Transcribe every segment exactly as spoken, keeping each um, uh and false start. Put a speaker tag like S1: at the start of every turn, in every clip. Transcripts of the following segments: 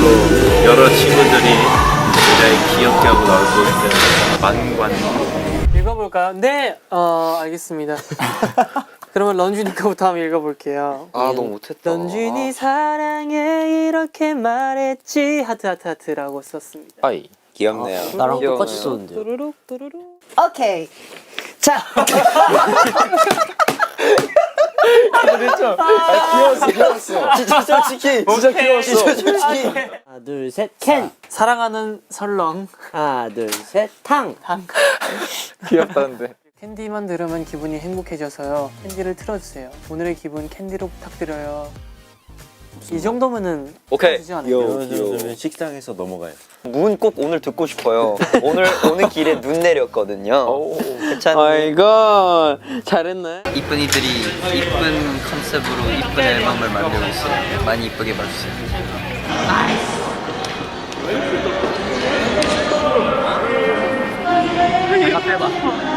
S1: 여러 친구들이 굉장히 귀엽게 하고 나오고 있는 만관.
S2: 읽어볼까요? 네, 어 알겠습니다. 그러면 런쥔이 거부터 한번 읽어볼게요.
S3: 아 너무 못했다.
S2: 런쥔이 사랑해 이렇게 말했지 하트 하트 하트라고 썼습니다.
S3: 아이 귀엽네요.
S2: 아,
S4: 나랑
S2: 귀여워요.
S4: 똑같이 썼는데.
S2: 뚜루룩 뚜루룩.
S5: 오케이. 자.
S3: 귀여웠어 귀여웠어. 진짜 솔직히 진짜 귀여웠어. 진짜 솔직히.
S4: 하나 둘 셋 캔.
S2: 사랑하는 설렁.
S4: 하나 둘 셋 탕.
S2: 당.
S3: 귀엽다는데.
S2: 캔디만 들으면 기분이 행복해져서요. 캔디를 틀어주세요. 오늘의 기분 캔디로 부탁드려요. 이 정도면은
S3: 오케이.
S2: 되지 않을까요?
S3: 귀여워 귀여워.
S6: 식당에서 넘어가요.
S3: 문 꼭 오늘 듣고 싶어요. 오늘 오는 길에 눈 내렸거든요. 괜찮네.
S4: 아이고 잘했네.
S7: 이쁜이들이 이쁜 컨셉으로 이쁜 앨범을 만들고 있어요. 많이 이쁘게 봐주세요. 내가 빼봐.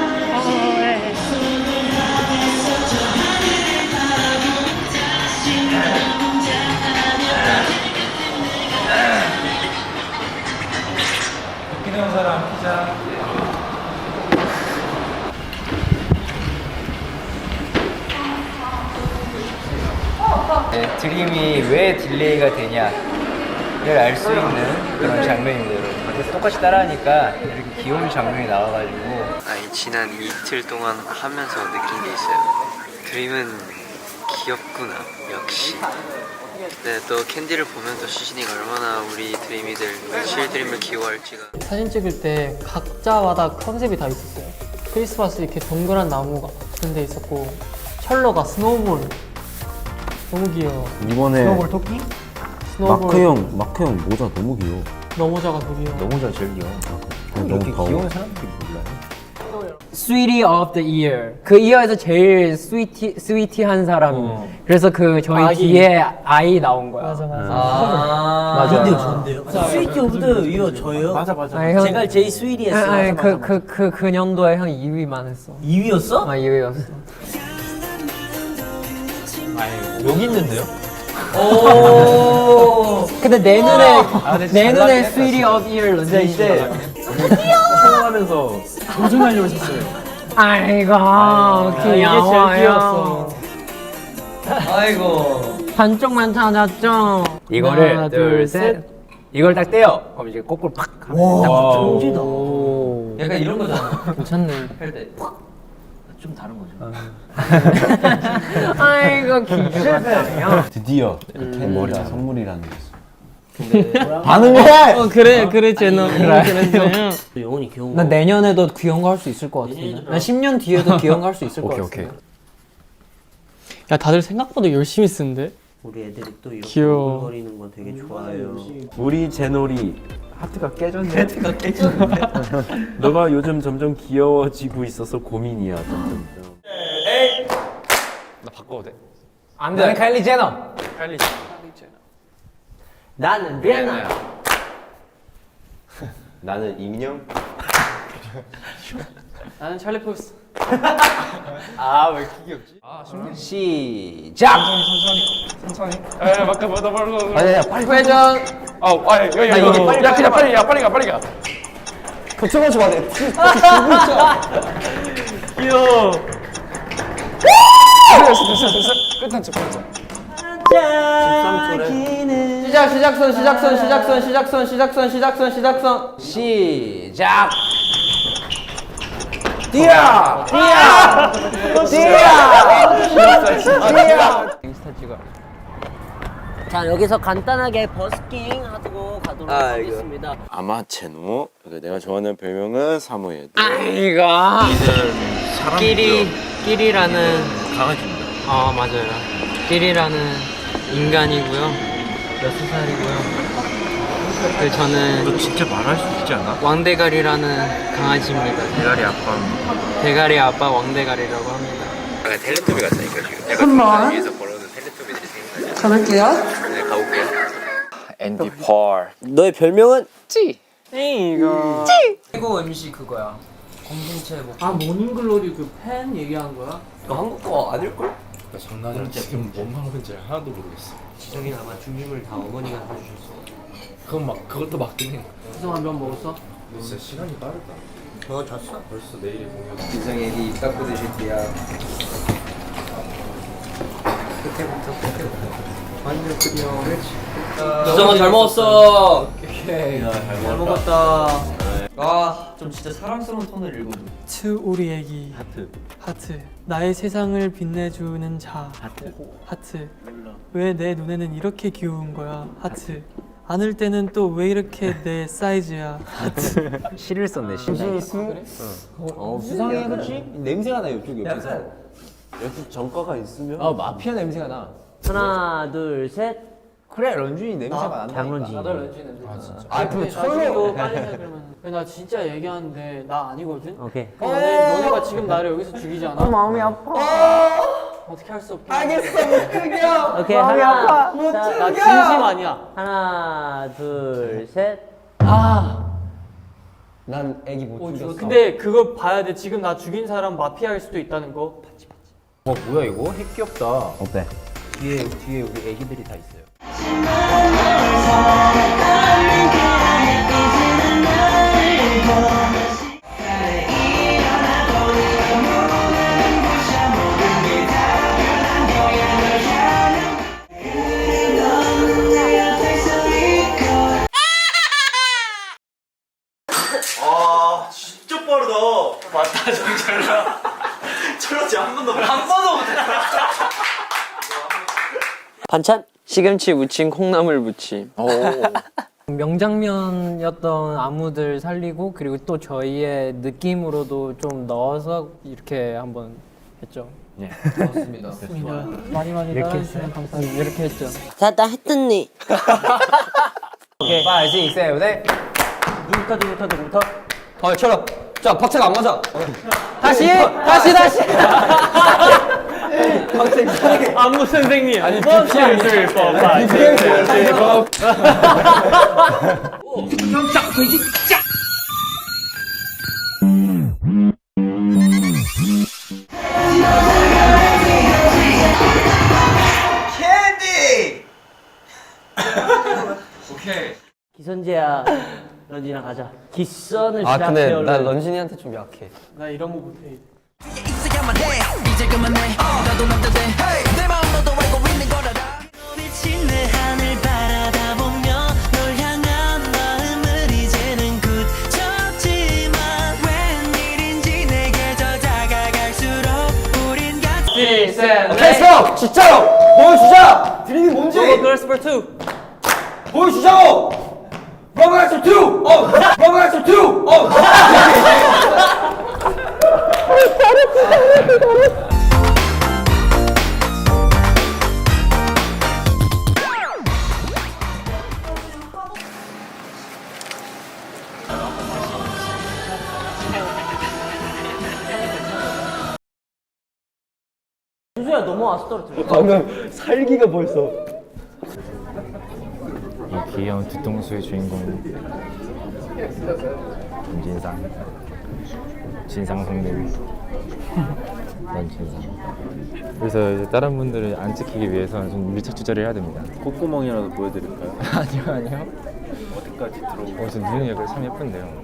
S7: 네, 드림이 왜 딜레이가 되냐를 알 수 있는 그런 장면입니다, 여러분. 그래서 똑같이 따라하니까 이렇게 귀여운 장면이 나와가지고 아니 지난 이틀 동안 하면서 느낀 게 있어요. 드림은 귀엽구나, 역시. 네, 또 캔디를 보면 또 시신이가 얼마나 우리 드림이들, 실 드림을 귀여워할지가.
S2: 사진 찍을 때 각자마다 컨셉이 다 있었어요. 크리스마스 이렇게 동그란 나무가 같은 데 있었고, 철러가 스노우볼. 너무 귀여워.
S6: 이번에
S2: 스노우볼 토끼? 스노우볼
S6: 마크 형, 마크 형 모자 너무 귀여워.
S2: 너모자가 더 귀여워.
S7: 너무 잘 즐겨.
S6: 그냥 너무 더워.
S7: 사람들이 몰라요.
S8: Sweetie of the Year. 그 이어에서 제일 스위티 스위티한 사람. 그래서 그 저희
S2: 아기.
S8: 뒤에 아이 나온 거야.
S2: 맞아 맞아.
S8: 아,
S4: 맞아. 좋은데요? 스위티 오브 더 이어 저예요?
S6: 맞아 맞아.
S8: 아니, 형,
S4: 제가 제일 스위티했어요.
S8: 그그 그 그 년도에 형 이 위만 했어.
S4: 이 위였어?
S8: 아 이 위였어.
S7: 여기 있는데요?
S8: 오. 근데 내 눈에 내 눈에 Sweetie of the Year 런쥔이 이때
S7: 촬영하면서 조준하려고 했었어요.
S8: 아이고
S2: 이게 제일
S8: 귀여워요.
S2: 귀여웠어.
S8: 아이고 반쪽만 찾았죠.
S7: 이거를
S8: 하나,
S7: 둘, 셋. 이걸 딱 떼요. 그럼 이제 거꾸로 팍 하면 딱
S4: 천지다.
S8: 오.
S7: 약간 이런 거잖아.
S8: 괜찮네.
S7: 좀 다른 거죠.
S8: 아이고 기특해요.
S6: 드디어 이렇게 머리가 선물이라는 게 있어. 반응해!
S8: 어 그래 그래 제노 그래.
S4: 영원히 귀여운 거.
S8: 나 내년에도 귀여운 거 할 수 있을 것 같은데. 나 십 년 뒤에도 귀여운 거 할 수 있을 것
S7: 오케이,
S8: 같은데.
S7: 오케이.
S2: 야 다들 생각보다 열심히 쓰는데?
S4: 우리 애들이 또 이렇게
S2: 귀여워.
S4: 거리는 거 되게 좋아해요.
S6: 우리 제놀이 하트가 깨졌네. 하트가 깨졌네. 너가 요즘 점점 귀여워지고 있어서 고민이야. 점점.
S7: 나 바꿔도 돼?
S8: 안 돼. 나는 카일리 제너.
S7: 빨리.
S4: 나는 리아나.
S6: 나는 임영.
S2: 나는 찰리 포스.
S7: 아왜 이렇게 귀엽지? 아 신기.
S8: 시작.
S7: 천천히. 에 바꿔 바꿔 바꿔.
S8: 아니 야 빨리 회전.
S7: 아, 아, 여기, 여기, 여기. 빨리, 야, 그냥 빨리, 야, 빨리 가, 빨리 가.
S8: 거쳐 거쳐 봐.
S2: 귀여워.
S7: 됐어, 됐어, 됐어. 끝난 척, 끝난 척.
S8: 시작 시작선 시작선 시작선 시작선 시작선 시작선 시작선 시작. 뛰어 뛰어 뛰어 뛰어. 인스타 찍어.
S4: 자 여기서 간단하게 버스킹 하고 가도록
S3: 아, 이거.
S4: 하겠습니다.
S6: 아마 제노. 내가 좋아하는 별명은 사무엘.
S8: 아이고 끼리 끼리라는
S1: 강아지입니다.
S8: 아 맞아요. 끼리라는 인간이고요. 여섯 살이고요. 그리고 저는
S1: 너 진짜 말할 수 있지 않아?
S8: 왕대가리라는 강아지입니다.
S1: 대가리 아빠.
S8: 대가리 아빠 왕대가리라고 합니다.
S1: 약간 텔레토비 같다니까 지금. 약간 위에서 걸어오는 텔레토비들이 생각나요.
S5: 가볼게요.
S1: 네, 가볼게요.
S3: 앤디 펄.
S4: 너의 별명은?
S2: 이거.
S8: 최고 엠씨 그거야. 공동체 목.
S2: 아 모닝글로리 그 팬 얘기한 거야?
S3: 너 한국어 아닐걸?
S1: 장난을 지금 뭔 방법인지 하나도 모르겠어.
S4: 지정이 아마 준비물 다 어머니가 해주셨어.
S6: 그건 막 그것도 맞긴 해.
S2: 수성아 면 먹었어?
S6: 근데 진짜 시간이 빠르다. 너 잤어? 벌써 내일이 공연.
S7: 인성 얘기 입 닦고 드실게요. 끝에부터 끝에부터. 완전 그려. 그렇지.
S4: 수정아 잘 먹었어.
S7: 오케이.
S4: 잘 먹었다.
S3: 아, 좀 진짜 사랑스러운 톤을 읽어줘.
S2: 하트 우리 애기
S6: 하트.
S2: 하트 나의 세상을 빛내주는 자 하트 하트 왜 내 눈에는 이렇게 귀여운 거야 하트 안을 때는 또 왜 이렇게 내 사이즈야 하트
S7: 시를 썼네. 시.
S4: 어 수상해 그렇지? 냄새가 나 이쪽 옆에서.
S6: 여기 전과가 있으면.
S4: 아 마피아 냄새가 나. 하나 둘 셋. 그래 런쥔이 냄새가 난다. 장런쥔.
S2: 나도 런쥔 냄새
S6: 아 진짜.
S2: 아 근데 나중에 빨리 해 그러면 나 진짜 얘기하는데 나 아니거든?
S4: 오케이.
S2: 너네, 너네가 지금 나를 여기서 죽이지 않아?
S4: 마음이 아파.
S2: 어떻게 할 수 없게
S5: 알겠어, 못 죽여.
S4: 오케이
S5: 마음이
S4: 하나.
S5: 아파. 못
S4: 자,
S2: 나
S5: 죽여.
S2: 진심 아니야
S4: 하나 둘 셋. 난 애기 못 죽였어.
S2: 근데 그거 봐야 돼 지금 나 죽인 사람 마피아일 수도 있다는 거
S7: 어 뭐야 이거? 핵 귀엽다.
S4: 어때?
S7: 뒤에 뒤에 여기 애기들이 다 있어요.
S3: 아, 진짜 빠르다. 맞다, 정철아. 철러지 한 번도 한 번도 못해.
S4: 반찬?
S3: 시금치 무침, 콩나물 무침.
S8: 명장면이었던 안무들 살리고 그리고 또 저희의 느낌으로도 좀 넣어서 이렇게 한번 했죠.
S2: 맞습니다 많이 많이 따라주시면 감사합니다
S8: 이렇게 했죠.
S5: 자다 했더니.
S7: 오케이. 오, 육, 칠, 팔.
S4: 누구부터 누구부터 누구부터?
S3: 아, 철러. 자, 박자가 안 맞아.
S2: 다시 다시 다시 안무 선생님 아니 원, 투, 쓰리, 포, 파이브, 식스, セブン
S4: 기선제야. 런쥔아 가자. 기선을
S3: 아, 근데
S4: 시작해요,
S3: 나
S4: 런.
S3: 런쥔이한테 좀 약해.
S2: 나 이런 거 못해
S9: 미친 내 하늘 바라다 보며 널 향한 마음을 이제는 굳혔지만 웬일인지 내게 더 다가갈수록 우린 같이
S3: 렛츠고! 진짜로! 보여주자! 드림이 뭔지!
S2: 걸스 포
S3: 보여주자고! 러브라이트 투! 어! 러브라이트 투! 어!
S4: 준수야 넘어와서 떨어뜨려.
S3: 방금 살기가 벌써.
S1: 이 귀여운 뒤통수의 주인공 김진상 진상 선배님 넌 진상. 그래서 이제 다른 분들을 안 찍히기 위해서는 좀 밀착 조절을 해야 됩니다.
S6: 콧구멍이라도 보여드릴까요?
S1: 아니요 아니요.
S6: 어디까지 들어오고?
S1: 어, 지금 눈이 약간 참 예쁜데요.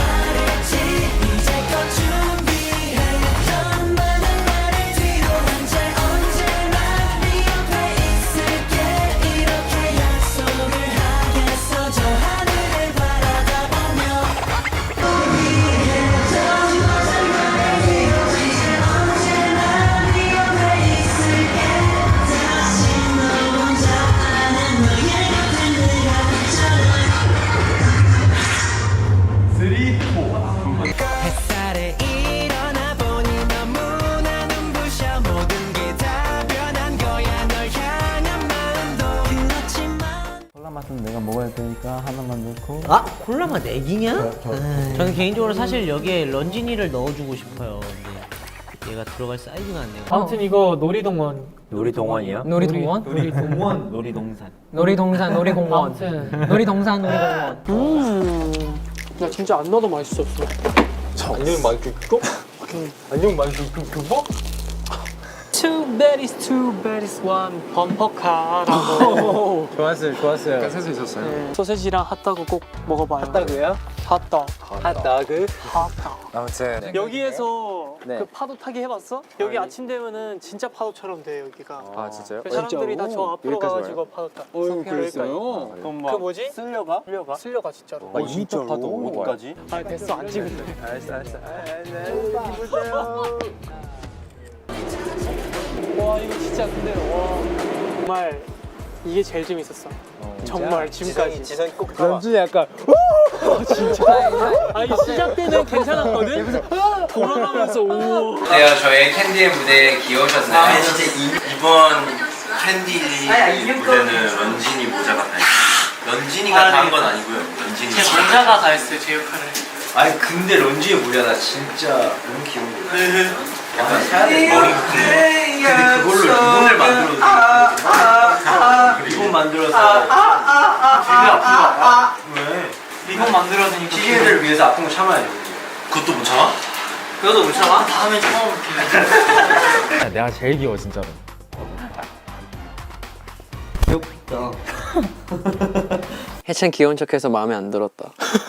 S9: 이제껏 준비해 넌 많은 말을 뒤로 한 채 언제나 네 옆에 있을게 이렇게 약속을 하겠어 저 하늘을 바라다 보며 위에 전 모든 말을 뒤로 이제 언제나 네 옆에 있을게 다시 너 혼자 아는 너의 곁에 내가 있잖아 햇살에 일어나 보니 너무나 눈부셔 모든 게 다 변한 거야 널 향한 마음도 그렇지만
S2: 콜라 맛은 내가 먹어야 되니까 하나만 넣고
S4: 아 콜라맛 내기냐? 저는 개인적으로 사실 여기에 런쥔이를 넣어주고 싶어요. 근데 얘가 들어갈 사이즈가 안 돼요.
S2: 아무튼 이거 놀이동원
S6: 놀이동원이요?
S8: 놀이동원?
S2: 놀이동원
S6: 놀이동산.
S8: 놀이동산 놀이공원.
S2: 아무튼
S8: 놀이동산 놀이공원.
S2: 음, 야 진짜 안 넣어도 맛있었어. 안녕 맛있게 그거? 안녕 맛있게 그거? Two baddies, two baddies, one 범퍼카라고.
S7: 좋았어요, 좋았어요.
S1: 센스 있었어요.
S2: 네, 소세지랑 핫도그 꼭 먹어봐요.
S7: 핫도그요?
S2: 핫도그.
S7: 핫도그.
S2: 핫도그.
S1: 아무튼
S2: 여기에서
S7: 네.
S2: 그 파도 타기 해봤어? 여기 아침 되면은 진짜 파도처럼 돼 여기가.
S1: 아 진짜요?
S2: 그 사람들이 다 저 앞으로
S1: 여기까지
S2: 가가지고 파도 타.
S3: 어휴,
S2: 그랬어요? 그 뭐지? 쓸려가? 쓸려가? 쓸려가 진짜로.
S3: 아, 이 미터 파도 어디까지?
S2: 아 됐어 안 찍을래.
S7: 알았어, 알았어.
S2: 와 이거 진짜 근데 와 정말 이게 제일 재밌었어. 정말 지금까지.
S3: 지성이 꼭
S7: 런쥔이 약간
S2: 아니 시작 때는 괜찮았거든. 돌아가면서 오.
S7: 어때요? 저의 캔디의 무대에 귀여우셨나요?
S3: 아, 진짜 이, 이번 캔디 무대는 런쥔이 모자가 다 했어요. 런쥔이가 다 한 건 아니고요. 런쥔이.
S2: 제 모자가 다 했어요 제 역할을.
S3: 아니 근데 런쥔이 모자 나 진짜 너무 귀여워. 약간 사람들 머리 같은 거. 근데 그걸로 리본을 만들어서 리본 만들어서 되게 아프다. 왜?
S2: 리본 만들어주니까.
S3: 티제이들을 위해서 아픈 거 참아야죠. 그것도 못 참아?
S2: 그것도 못 참아? 다음에 참아볼게.
S1: 내가 제일 귀여워 진짜로.
S8: 해찬 귀여운 척해서 마음에 안 들었다.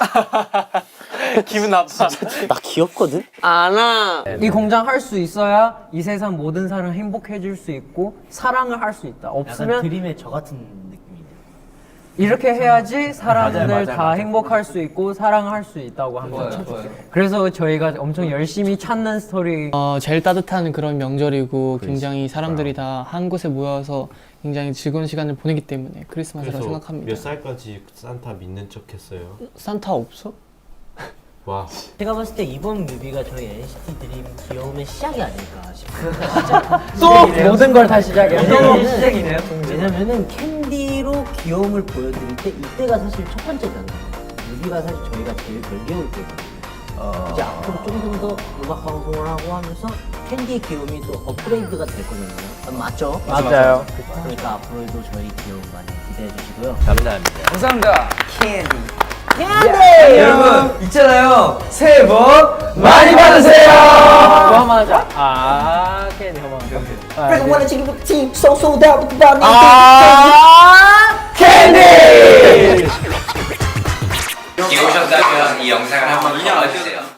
S2: 기분 나빠.
S5: 나 귀엽거든?
S8: 아나. 이 공장 할 수 있어야 이 세상 모든 사람 행복해질 수 있고 사랑을 할 수 있다. 없으면
S4: 드림의 저 같은 느낌이네.
S8: 이렇게 해야지 사람들 다 행복할 수 있고 사랑할 수 있다고 합니다. 그래서 저희가 엄청 열심히 찾는 스토리.
S2: 어, 제일 따뜻한 그런 명절이고 굉장히 사람들이 다 한 곳에 모여서 굉장히 즐거운 시간을 보내기 때문에 크리스마스라고 생각합니다.
S10: 몇 살까지 산타 믿는 척했어요?
S2: 산타 없어?
S10: 와.
S4: 제가 봤을 때 이번 뮤비가 저희 엔시티 드림 귀여움의 시작이 아닐까 싶어요.
S8: 또 모든 걸 다 시작해.
S4: 왜냐면은, 시작이네요. 왜냐면은 캔디로 귀여움을 보여드릴 때 이때가 사실 첫 번째잖아요. 뮤비가 사실 저희가 제일 별개올 때거든요. 어... 이제 앞으로 좀 더 음악 방송을 하고 하면서 캔디의 귀여움이 또 업그레이드가 될 거거든요. 아, 맞죠?
S8: 맞아요.
S4: 그러니까 앞으로도 저희 귀여움 많이 기대해 주시고요.
S7: 감사합니다.
S8: 감사합니다.
S4: 캔디.
S8: 캔디! 여러분 있잖아요. 새해 복 많이 받으세요. 뭐 한번 하자. 아 캔디 한번.
S5: Break one chicken with the team, so sold out with the body.
S8: 아 캔디!
S7: 귀여우셨다면 이 영상을 한번 봐주세요.